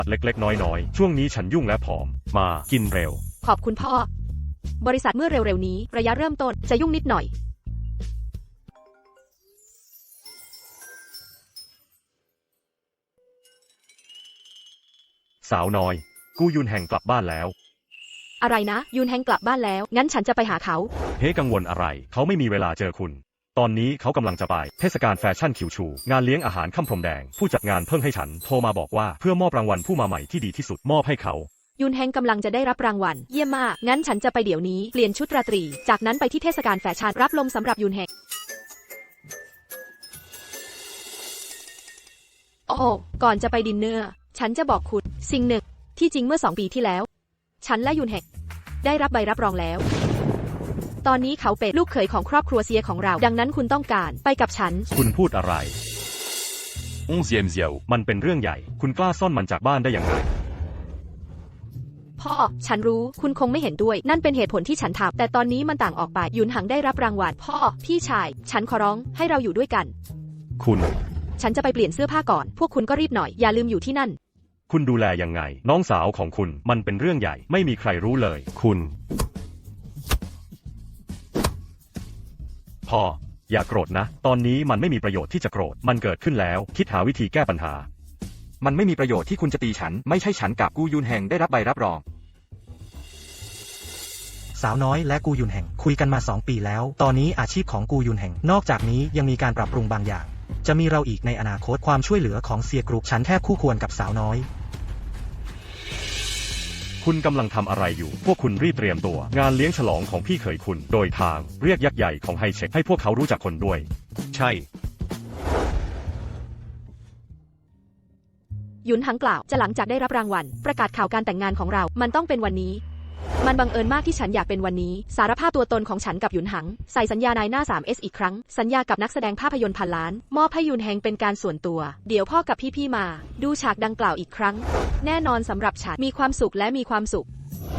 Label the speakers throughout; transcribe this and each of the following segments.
Speaker 1: เล็กๆน้อยๆช่วงนี้ฉันยุ่งและผอมมากินเร็ว
Speaker 2: ขอบคุณพ่อบริษัทเมื่อเร็วๆนี้ระยะเริ่มต้นจะยุ่งนิดหน่อย
Speaker 1: สาวน้อยกูยุนแห่งกลับบ้านแล้ว
Speaker 2: อะไรนะยุนแฮงกลับบ้านแล้วงั้นฉันจะไปหาเขา
Speaker 1: เฮ้กังวลอะไรเขาไม่มีเวลาเจอคุณตอนนี้เขากำลังจะไปเทศกาลแฟชั่นคิวชูงานเลี้ยงอาหารค่ำพรมแดงผู้จัดงานเพิ่งให้ฉันโทรมาบอกว่าเพื่อมอบรางวัลผู้มาใหม่ที่ดีที่สุดมอบให้เขา
Speaker 2: ยุนแฮงกำลังจะได้รับรางวัลเยี่ยมมากงั้นฉันจะไปเดี๋ยวนี้เปลี่ยนชุดราตรีจากนั้นไปที่เทศกาลแฟชั่นรับลมสำหรับยุนแฮงโอ้ก่อนจะไปดินเนอร์ฉันจะบอกคุณสิ่งหนึ่งที่จริงเมื่อ2 ปีที่แล้วฉันและยุนแฮงได้รับใบรับรองแล้วตอนนี้เขาเป็นลูกเขยของครอบครัวเซียของเราดังนั้นคุณต้องการไปกับฉัน
Speaker 1: คุณพูดอะไรมันเป็นเรื่องใหญ่คุณกล้าซ่อนมันจากบ้านได้อย่างไร
Speaker 2: พ่อฉันรู้คุณคงไม่เห็นด้วยนั่นเป็นเหตุผลที่ฉันทำแต่ตอนนี้มันต่างออกไปหยุนหังได้รับรางวัลพ่อพี่ชายฉันขอร้องให้เราอยู่ด้วยกัน
Speaker 1: คุณ
Speaker 2: ฉันจะไปเปลี่ยนเสื้อผ้าก่อนพวกคุณก็รีบหน่อยอย่าลืมอยู่ที่นั่น
Speaker 1: คุณดูแลยังไงน้องสาวของคุณมันเป็นเรื่องใหญ่ไม่มีใครรู้เลยคุณพ่ออย่าโกรธนะตอนนี้มันไม่มีประโยชน์ที่จะโกรธมันเกิดขึ้นแล้วคิดหาวิธีแก้ปัญหา
Speaker 3: มันไม่มีประโยชน์ที่คุณจะตีฉันไม่ใช่ฉันกับกูยุนแห่งได้รับใบรับรอง
Speaker 4: สาวน้อยและกูยุนแห่งคุยกันมา2 ปีแล้วตอนนี้อาชีพของกูยุนแห่งนอกจากนี้ยังมีการปรับปรุงบางอย่างจะมีเราอีกในอนาคตความช่วยเหลือของเซียกรุ๊ปฉันแทบคู่ควรกับสาวน้อย
Speaker 1: คุณกำลังทำอะไรอยู่พวกคุณรีบเตรียมตัวงานเลี้ยงฉลองของพี่เขยคุณโดยทางเรียกยักษ์ใหญ่ของไฮเช็คให้พวกเขารู้จักคนด้วยใช่
Speaker 2: หยุนหังกล่าวจะหลังจากได้รับรางวัลประกาศข่าวการแต่งงานของเรามันต้องเป็นวันนี้มันบังเอิญมากที่ฉันอยากเป็นวันนี้สารภาพตัวตนของฉันกับหยุนหังใส่สัญญานายหน้า 3S อีกครั้งสัญญากับนักแสดงภาพยนตร์พันล้านมอบให้หยุนแฮงเป็นการส่วนตัวเดี๋ยวพ่อกับพี่ๆมาดูฉากดังกล่าวอีกครั้งแน่นอนสำหรับฉันมีความสุขและมีความสุข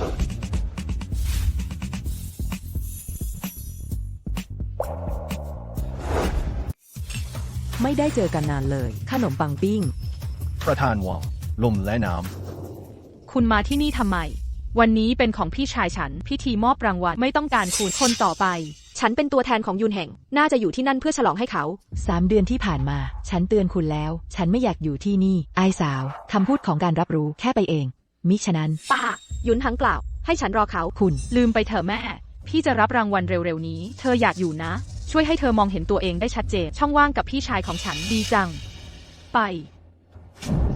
Speaker 5: ไม่ได้เจอกันนานเลยขนมปังปิ้ง
Speaker 6: ประธานวังลมและน้ำ
Speaker 7: คุณมาที่นี่ทำไมวันนี้เป็นของพี่ชายฉันพิธีมอบรางวัลไม่ต้องการคุณคนต่อไป
Speaker 2: ฉันเป็นตัวแทนของยุนแห่งน่าจะอยู่ที่นั่นเพื่อฉลองให้เขา
Speaker 5: 3 เดือนที่ผ่านมาฉันเตือนคุณแล้วฉันไม่อยากอยู่ที่นี่ไอ้สาวคำพูดของการรับรู้แค่ไปเองมิฉะนั้น
Speaker 2: ป้าหยุนหังกล่าวให้ฉันรอเขา
Speaker 5: คุณ
Speaker 7: ลืมไปเถอะแม่พี่จะรับรางวัลเร็วๆนี้เธออยากอยู่นะช่วยให้เธอมองเห็นตัวเองได้ชัดเจนช่องว่างกับพี่ชายของฉันดีจังไป